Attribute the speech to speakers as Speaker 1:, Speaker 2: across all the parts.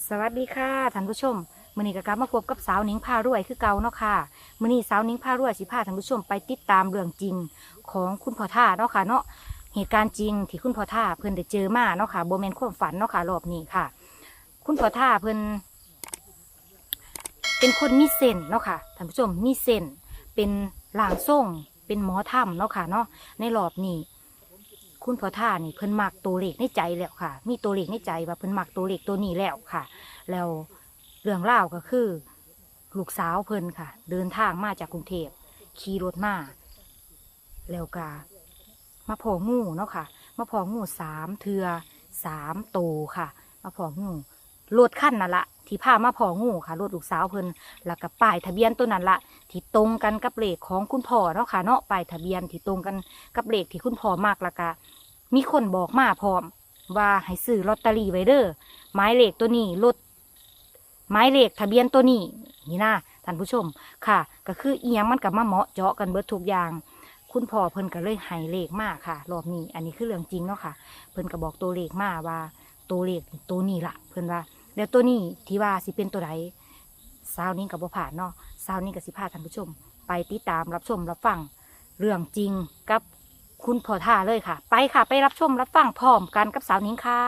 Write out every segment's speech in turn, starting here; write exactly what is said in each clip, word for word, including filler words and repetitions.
Speaker 1: สวัสดีค่ะท่านผู้ชมมื้อนี้ก็กลับมาพบกับสาวหนิงพารวยคือเก่าเนาะค่ะมื้อนี้สาวหนิงพารวยสิพาท่านผู้ชมไปติดตามเรื่องจริงของคุณพ่อท่าเนาะค่ะเนาะเหตุการณ์จริงที่คุณพ่อท่าเพิ่นได้เจอมาเนาะค่ะบ่แม่นความฝันเนาะค่ะรอบนี้ค่ะ คุณพ่อท่าเพิ่นเป็นคนมีเส้นเนาะค่ะท่านผู้ชมมีเส้นเป็นร่างทรงเป็นหมอธรรมเนาะค่ะเนาะในรอบนี้คุณพ่อท่านี่เพิ่นมักตัวเลขในใจแล้วค่ะ มีตัวเลขในใจว่าเพิ่นมักตัวเลขตัวนี้แล้วค่ะ แล้วเรื่องราวก็คือลูกสาวเพิ่นค่ะ เดินทางมาจากกรุงเทพขี่รถมาแล้วก็มาพองูเนาะค่ะ มาพองูสามเทือสามโตวค่ะ มาพองูรถขั้นนั่นละที่พามาพองูค่ะรถลูกสาวเพิ่นแล้วก็ป้ายทะเบียนตัวนั้นละที่ตรงกันกับเลขของคุณพ่อเนาะค่ะเนาะป้ายทะเบียนที่ตรงกันกับเลขที่คุณพ่อมากแล้วก็มีคนบอกมาพร้อมว่าให้ซื้อลอตเตอรี่ไว้เด้อหมายเลขตัวนี้รถหมายเลขทะเบียนตัวนี้นี่นะท่านผู้ชมค่ะ ก็คือเอียงมันกับมาเหมาะเจาะกันเบิดทุกอย่าง คุณพ่อเพิ่นก็เลยให้เลขมาค่ะรอบนี้อันนี้คือเรื่องจริงเนาะค่ะ เพิ่นก็บอกตัวเลขมาว่าตัวเลขตัวนี้ล่ะเพิ่นว่าแล้วตัวนี้ที่ว่าสิเป็นตัวใดสาวนี้กับบ่ผ่านเนาะสาวนี้กับสิพาท่านผู้ชม ไปติดตามรับชมรับฟังเรื่องจริงกับคุณพ่อท่าเลยค่ะ ไปค่ะไปรับชมรับฟังพร้อมกันกับสาวนิ้งค่ะ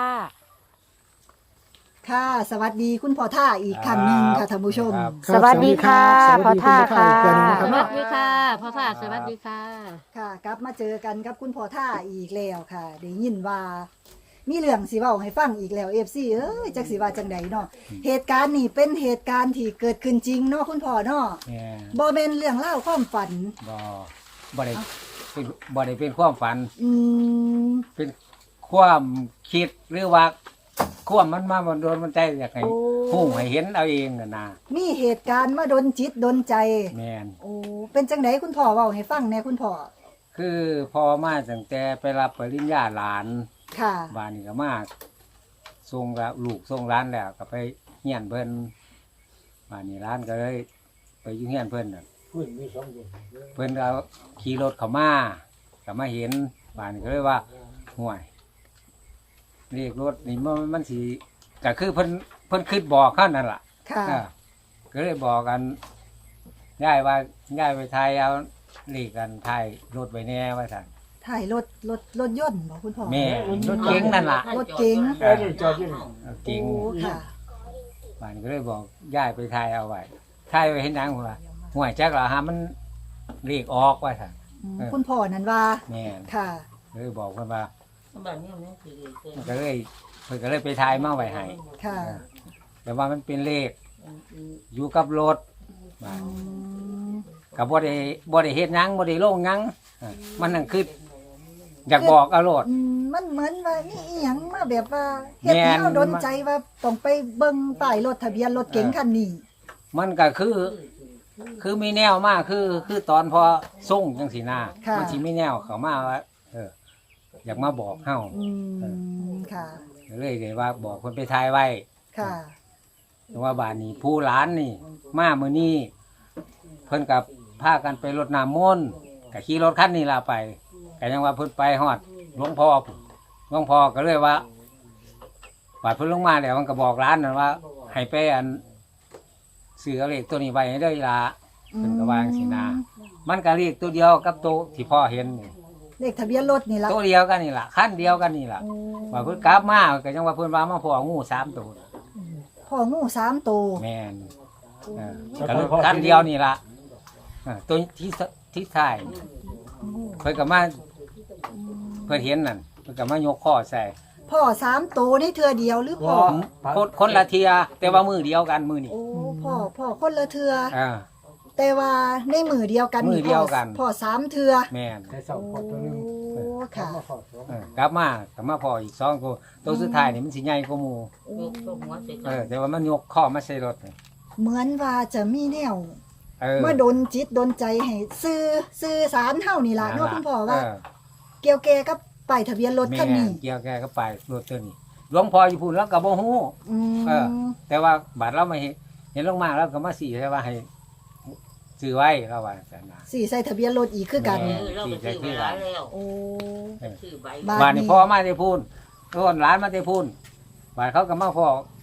Speaker 2: ค่ะสวัสดีคุณพ่อท่าอีกครั้งหนึ่งค่ะท่านผู้ชม
Speaker 3: ครับ
Speaker 1: สวัสดีค่ะ
Speaker 2: สวัสดี
Speaker 1: พ่อท่า
Speaker 2: ณพ่อท่าอีก
Speaker 1: ค่ะ
Speaker 2: เทื่อหนึ่งนะค
Speaker 4: ส
Speaker 2: รับ
Speaker 4: วัสดีค่ะพ่อท่าสวัสดีค่ะ
Speaker 2: ค่ะกลับมาเจอกันกับคุณพ่อท่าอีกแล้วค่ะได้ยินว่า มีเรื่องสิเว้าให้ฟังอีกแล้ว เอฟ ซี เอ้ยจักสิว่าจังใดเนาะเหตุการณ์นี้เป็นเหตุการณ์ที่เกิดขึ้นจริงเนาะคุณพ่อเนาะ
Speaker 3: แม่
Speaker 2: บ่แม่นเรื่องเล่าวความฝัน
Speaker 3: บ่บ่ได้เป็นบ่ได้เป็นความฝัน
Speaker 2: อืม
Speaker 3: เป็นความคิดหรือว่าความมันมามันโดนมันใจอยากให้
Speaker 2: โอ้
Speaker 3: ฮู้ให้เห็นเอาเองน่ะนะ
Speaker 2: มีเหตุการณ์มาดนจิตดนใจ
Speaker 3: แม่น
Speaker 2: โอ้เป็นจังไดคุณพ่อเว้าให้ฟังแหน่คุณพ่อ
Speaker 3: คือพอมาตั้งแต่ไปรับปริญญาหลาน
Speaker 2: ค่ะ
Speaker 3: บ้านนี้ก็มาส่งละลูกส่งร้านแล้วก็ไปเฮียนเพิ่นบ้านนี้ร้านก็เลยไปอยู่เฮียนเพิ่นน่ะเพิ่นก็ขี่รถเข้ามาก็มาเห็นบ้านนี้ก็เลยว่าห่วยเรียกรถนี่มันมันสิก็คือเพิ่นเพิ่นคิดบอกเขานั่นล่ะ
Speaker 2: ค่ะ
Speaker 3: เออก็เลยบอกกันย้ายว่าย้ายไปไทยเอาเรียกกันไทยรถไว้แน่ว่าซั่น
Speaker 2: ถ่ายรถรถรถยนต์บ่คุณพ่อ
Speaker 3: แม่รถเก๋งนั่นล่ะ
Speaker 2: รถเก๋ง
Speaker 3: เออเก๋ง
Speaker 2: โอ้ค่ะ
Speaker 3: บ้านก็เลยบอกย้ายไปไทยเอาไว้ไทยไว้เห็นหยังหัวห่วยจักละฮะมันเรียกออกว่าซั่น
Speaker 2: อืม
Speaker 3: เออ
Speaker 2: คุณพ่อนั่นว่า
Speaker 3: แม่น
Speaker 2: ค่ะ
Speaker 3: เลยบอกเพิ่นว่า
Speaker 4: บ้านนี้มันคือ
Speaker 3: มันก็เลยเพิ่นก็เลยไปไทยมาไว้ให้
Speaker 2: ค่ะ
Speaker 3: เออแต่ว่ามันเป็นเลขอยู่กับรถบ้าน
Speaker 2: อืม
Speaker 3: ก็บ่ได้บ่ได้เฮ็ดหยังบ่ได้ลงหยังเออมันนั่นคืออยากบอกเอาโลด
Speaker 2: อืมมันเหมือนว่านี่อีหยังมาแบบว่าเฮ็ด
Speaker 3: แม่
Speaker 2: ให้
Speaker 3: น
Speaker 2: เฮาดนใจว่าต้องไปเบิ่งป้ายรถทะเบียนรถเก๋งคันนี้
Speaker 3: มันก็คือ คือมีแนวมากคือ คือตอนพอส่งจังสีหน้า
Speaker 2: ค่ะ
Speaker 3: มันสิมีแนวเขามาว่าเออ อยากมาบอกเฮา
Speaker 2: อืมค่ะ
Speaker 3: ก็เลยได้ว่าบอกคนไปทายไว้
Speaker 2: ค่ะ
Speaker 3: แต่ว่าบ้านนี้ผู้หลานนี่ มามื้อนี้เพิ่นกับพากันไปรดน้ำมนต์ก็ขี่รถคันนี้ล่ะไปก็ยังว่าเพิ่นไปฮอดหลวงพ่อพุ่นหลวงพ่อก็เลยว่าบาดเพิ่นลงมาแล้วมันก็บอกร้านนั่นว่า ให้ไปอันซื้อเอาเลขตัวนี้ไว้ให้เด้ออีหล่ะ เพิ่นก็วาจั่งสินะ มันก็เลขตัวเดียวกับตัวที่พ่อเห็นนี่
Speaker 2: เลขทะเบียนรถนี่ล่ะ
Speaker 3: ตัวเดียวกันนี่ล่ะคันเดียวกันนี่ล่ะ
Speaker 2: โอ้
Speaker 3: ว่าเพิ่นกลับมาก็ยังว่าเพิ่นว่ามาพ่องูสามตัว
Speaker 2: พ่องูสามตัว
Speaker 3: แม่นเออก็รถคันเดียวนี่ล่ะเออตัวที่สที่ท้ายนี่เพิ่นก็มาเพิ่นเห็นนั่นเพิ่นก็มายกข้อใส่
Speaker 2: พ่อสามตัวนี่เทื่อเดียวหรือพ่อ
Speaker 3: คนคนละเทียแต่ว่ามือเดียวกันมือนี่
Speaker 2: โอ้พ่อพ่อคนละเทื่อ
Speaker 3: อ่า
Speaker 2: แต่ว่าในมือเดียวกัน
Speaker 3: มือเดียวกัน
Speaker 2: พ่อพ่อสามเทื่อ
Speaker 3: แม่น
Speaker 2: โอ้ค่ะ
Speaker 3: เออกลับมากลับมาพ่ออีกสองตัวตัวสุดท้ายนี่มันสิใหญ่กว่าหมู่
Speaker 4: ลูกตัวหัวเสร็จ
Speaker 3: เออแต่ว่ามันยกข้อมาใส่รถนี่
Speaker 2: เหมือนว่าจะมีแนว
Speaker 3: เออ
Speaker 2: มาดนจิตดนใจให้ซื้อซื้อสารเท่านี่ล่ะเนาะคุณพ่อว่า
Speaker 3: เออ
Speaker 2: เกี่ยวแก่กับป้ายทะเบียนรถคันนี้
Speaker 3: แม่เกี่ยวแกก็ไปรถตัวนี้หลวงพ่ออยู่พูนแล้วก็บ่ฮู้
Speaker 2: อืม
Speaker 3: เออ แต่ว่าบาดเราไม่เห็นเห็นลงมาแล้วก็มาสี่ใช่ว่าให้ซื้อไว้เราว่าแต่นะ
Speaker 2: สี่ใส่ทะเบียนรถอีกคือกัน
Speaker 3: แม่
Speaker 4: เออเราไปซื้อไว้แล้ว
Speaker 2: โอ้
Speaker 4: ซื้อใบ
Speaker 2: บ้
Speaker 3: บาดนี้พ่อมาได้พูนโอนหลานมาได้พูนบาดเขาก็มาพ่อ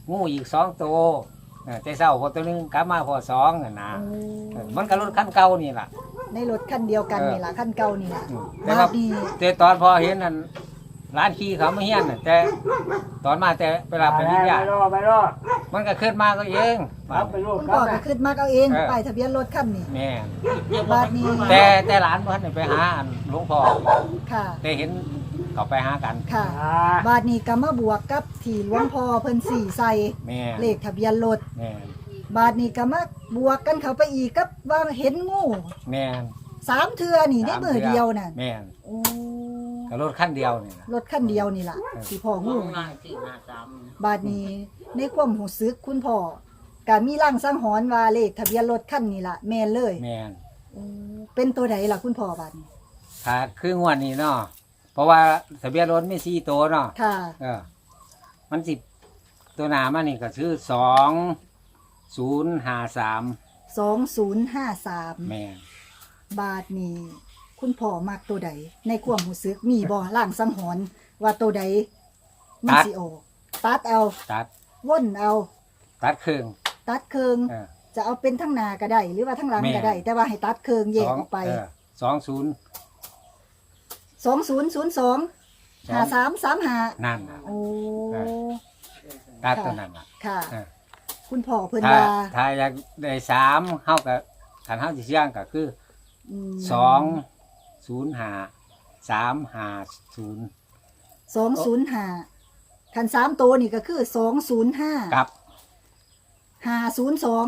Speaker 3: งูอีกสองตัวเออแต่เศร้าพอตัวหนึงกลับมาพอสองอะนะเออมันก็รถคันเก่านี่ล่ะ
Speaker 2: ในรถคันเดียวกันนี่ล่ะคันเก่านี่ล่ะ
Speaker 3: อืมแต่
Speaker 2: บา
Speaker 3: ว่า
Speaker 2: ดนี้
Speaker 3: แต่ตอนพอเห็นนั่นร้านขี้เขาไม่เฮี้ยนน่ะแต่ตอนมาแต่เวลาไปยิ่งยากมันก็ขึ้นมาก็เองครับ
Speaker 2: คุณพ่อก็ขึ้นมาเอาเอง
Speaker 3: เออ
Speaker 2: ป้ายทะเบียนรถคันนี้
Speaker 3: แม่
Speaker 2: บาดนี้
Speaker 3: แต่แต่หลานเพิ่นน่ะไปหาอันหลวงพ่อ
Speaker 2: ค่ะ
Speaker 3: แต่เห็นเขาไปหากัน
Speaker 2: ค่ะ บาดนี้ก็มาบวกกับที่หลวงพ่อเพิ่นสี่ใส่
Speaker 3: แม่
Speaker 2: เลขทะเบียนรถ
Speaker 3: แม่
Speaker 2: บาดนี้ก็มาบวกกันเข้าไปอีกกับว่าเห็นงู
Speaker 3: แม่
Speaker 2: สามเทือนี่ในมือเดียวน่ะ
Speaker 3: แม่
Speaker 2: โอ้
Speaker 3: ก็รถคันเดียวนี่ล่ะ
Speaker 2: รถคันเดียวนี่ล่ะที่พ่อ
Speaker 4: งู
Speaker 2: งู
Speaker 4: ง่ายสี่ห้าสาม
Speaker 2: บาดนี้ในความหูซึกคุณพ่อก็มีร่างสังหรณ์ว่าเลขทะเบียนรถคันนี้ล่ะแม่นเลย
Speaker 3: แม่
Speaker 2: โอ้เป็นตัวใดล่ะคุณพ่อบาดนี้
Speaker 3: ถ้าคืองวดนี้เนาะเพราะว่าทะเบียนรถมีสี่ตัวเนาะ
Speaker 2: ค่ะ
Speaker 3: เออ มันสิตัวหนามันนี่ก็คือสองศูนย์ห้าสาม
Speaker 2: สองศูนย์ห้าสาม
Speaker 3: แม่
Speaker 2: บาทนี้คุณพ่อมักตัวใดในความหูซึกมีบ่ร่างสังหรณ์ว่าตัวใดมันสิออกตัดเอา
Speaker 3: ตัด
Speaker 2: ว่นเอา
Speaker 3: ตัดเครื่อง
Speaker 2: ตัดเคือง
Speaker 3: เออ
Speaker 2: จะเอาเป็นทั้งหน้าก็ได้ หรือว่าทั้งหลัง
Speaker 3: แม่
Speaker 2: ก็ได้ แต่ว่าให้ตัดเคืองแยก
Speaker 3: สอง
Speaker 2: ออกไป
Speaker 3: เออสองศูนย์
Speaker 2: สองศูนย์ศูนย์สองห้าสามสามห้า
Speaker 3: นั่นน่ะ
Speaker 2: โอ้
Speaker 3: เอ ตัดตัวนั้นน่ะ
Speaker 2: ค่ะ
Speaker 3: เออ
Speaker 2: คุณพ่อเพิ่น
Speaker 3: ถ้า
Speaker 2: ว่า
Speaker 3: ถ้าอยากได้สามเฮากับขันเฮาสิเสี่ยงก็คือ
Speaker 2: ม
Speaker 3: สองศูนย์ห้าสามห้าศูนย์
Speaker 2: สองศูนย์ห้าคันสามตัวนี่ก็คือสองศูนย์ห้า
Speaker 3: กับ
Speaker 2: ห้าศูนย์สอง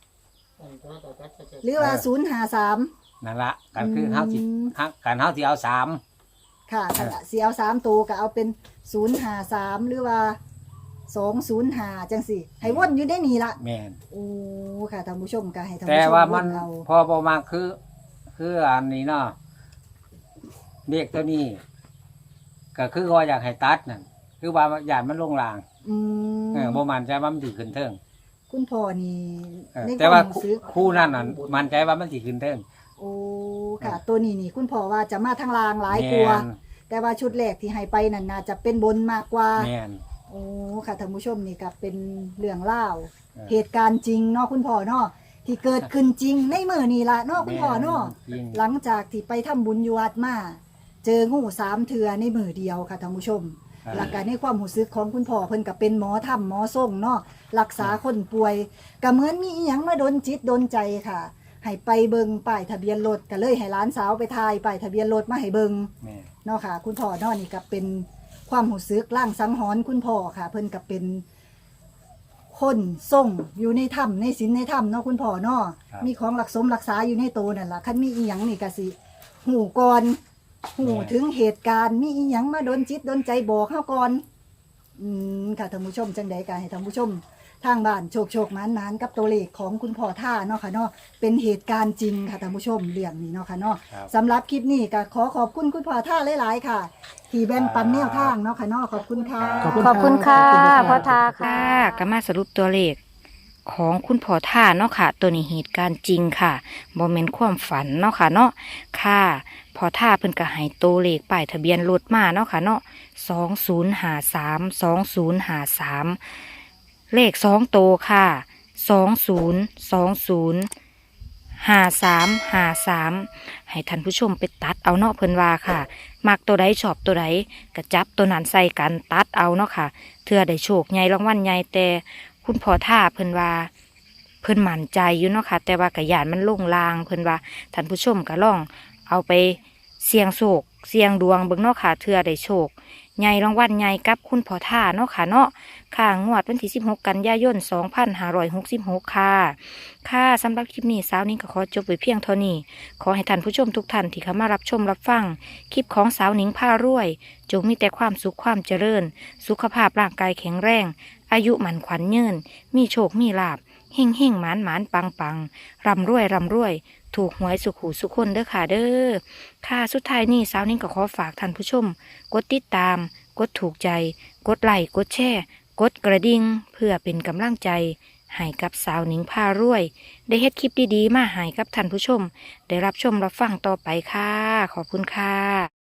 Speaker 2: หรือว่า
Speaker 3: เออ
Speaker 2: ศูนย์ห้าสาม
Speaker 3: นั่นละกันคือ
Speaker 2: อืม
Speaker 3: เฮาสิฮักกันเฮาสิเอาสาม
Speaker 2: ค่ะ
Speaker 3: เออ
Speaker 2: สีเอาสามตัวก็เอาเป็นศูนย์หาสามหรือว่าสองศูนย์หาจังสี่ ให้วนอยู่ได้นี่ละ
Speaker 3: แม่น
Speaker 2: โอ้ค่ะท่านผู้ชมก็ให้ท่าน
Speaker 3: แต่
Speaker 2: ผู้ชม
Speaker 3: ว่ามัน
Speaker 2: เอา
Speaker 3: พอประมาณคือ คืออันนี้เนาะเด็กตัวนี้ ก็คือว่าอยากให้ตัดนั่นคือว่าอยากมันลงราง
Speaker 2: อืม
Speaker 3: เออบ่มันใจว่ามันสิขึ้นเทิง
Speaker 2: คุณพ่อนี่
Speaker 3: เออ
Speaker 2: ใน
Speaker 3: แต่ว่า
Speaker 2: ความรู้สึก
Speaker 3: คู่นั่นน่ะมันใจว่ามันสิขึ้นเทิง
Speaker 2: โอ้ค่ะ ตัวนี้นี่ คุณพ่อว่าจะมาทางลางหลายกลัวา
Speaker 3: แม่น
Speaker 2: แต่ว่าชุดแรกที่ให้ไปนั่นน่าจะเป็นบนมากกว่า
Speaker 3: แม่น
Speaker 2: โอ้ค่ะท่านผู้ชมนี่ก็เป็นเรื่องเล่าว
Speaker 3: เออ
Speaker 2: เหตุการณ์จริงเนาะคุณพ่อเนาะที่เกิดขึ้นจริงในมือนี่ละเนาะคุณพ่อเนาะ
Speaker 3: จริง
Speaker 2: หลังจากที่ไปทำบุญอยู่วัดมา เจองูสามเถือในมือเดียวค่ะท่านผู้ชม
Speaker 3: อ่า
Speaker 2: หลักการในความหูซึกของคุณพ่อเพิ่นกับเป็นหมอทำหมอส่งเนาะรักษาคนป่วยก็เหมือนมีอีหยังมาดนจิตดนใจค่ะ ให้ไปเบิงป้ายทะเบียนรถก็เลยให้หลานสาวไปทายป้ายทะเบียนรถมาให้เบิง
Speaker 3: แม่น
Speaker 2: เนาะค่ะ คุณพ่อเนาะนี่ก็เป็นความหูซึกร่างสังหรณ์คุณพ่อค่ะ เพิ่นก็เป็น คนส่งอยู่ในถ้ำในศีลในถ้ำเนาะคุณพ่อเนาะ
Speaker 3: ครับ
Speaker 2: มีของรักสมรักษาอยู่ในโตวนั่นล่ะคันมีอีหยังนี่ก็สิหูก่อนหูถึงเหตุการณ์มีอีหยังมาดนจิตดนใจบอกเฮาก่อนอืมค่ะท่านผู้ชมจังใดก็ให้ท่านผู้ชม ทางบ้านโชคโชคหมานหมานกับตัวเลขของคุณพ่อท่าเนาะค่ะเนาะเป็นเหตุการณ์จริงค่ะท่านผู้ชมเรื่องนี้เนาะค่ะเนาะ
Speaker 3: ครับ
Speaker 2: สำหรับคลิปนี้ก็ขอขอบคุณคุณพ่อท่าหลายๆค่ะ ที่แบ่งปันแนวทางเนาะค่ะเนาะขอบคุณค่ะ
Speaker 3: ขอบคุณ
Speaker 1: ขอบคุณค่ะ
Speaker 2: ขอบคุณค่ะ
Speaker 1: พ่อทาค่ะก็มาสรุปตัวเลขของคุณพ่อท่าเนาะค่ะ ตัวนี้เหตุการณ์จริงค่ะบ่แม่นความฝันเนาะค่ะเนาะค่ะพ่อท่าเพิ่นก็ให้ตัวเลขป้ายทะเบียนรถมาเนาะค่ะเนาะสองศูนย์ห้าสามสองศูนย์ห้าสามเลขสองโตวค่ะสองศูนย์สองศูนย์ห้าสามห้าสามให้ท่านผู้ชมไปตัดเอาเนาะเพิ่นว่าค่ะ มักตัวใดชอบตัวใดก็จับตัวนั้นใส่กันตัดเอาเนาะค่ะเทื่อได้โชคใหญ่รางวัลใหญ่แต่คุณพ่อท่าเพิ่นว่าเพิ่นมั่นใจอยู่เนาะค่ะแต่ว่ากะยานมันลงลางเพิ่นว่าท่านผู้ชมก็ลองเอาไปเสี่ยงโชคเสี่ยงดวงเบิ่งเนาะค่ะเทื่อได้โชคใหญ่รางวัลใหญ่กับคุณพ่อท่าเนาะค่ะเนาะค่ะงวดวันที่สิบหกกันยายนสองพันห้าร้อยหกสิบหกค่ะค่ะสำหรับคลิปนี้สาวนี้ก็ขอจบไว้เพียงเท่านี้ขอให้ท่านผู้ชมทุกท่านที่เข้ามารับชมรับฟัง คลิปของสาวหนิงผ้ารวย จงมีแต่ความสุขความเจริญ สุขภาพร่างกายแข็งแรง อายุหมันขวัญยืนมีโชคมีลาบเฮ่งเฮ่งหมานหมานปังปังร่ำรวยร่ำรวย ถูกหวยสุขหูสุขคนเด้อค่ะเด้อค่ะสุดท้ายนี้สาวหนิงก็ขอฝากท่านผู้ชม กดติดตาม กดถูกใจ กดไลค์กดแชร์กดกระดิ่งเพื่อเป็นกำลังใจ ให้กับสาวหนิงพารวย ได้เฮ็ดคลิปดีๆมาให้กับท่านผู้ชม ได้รับชมรับฟังต่อไปค่ะ ขอบคุณค่ะ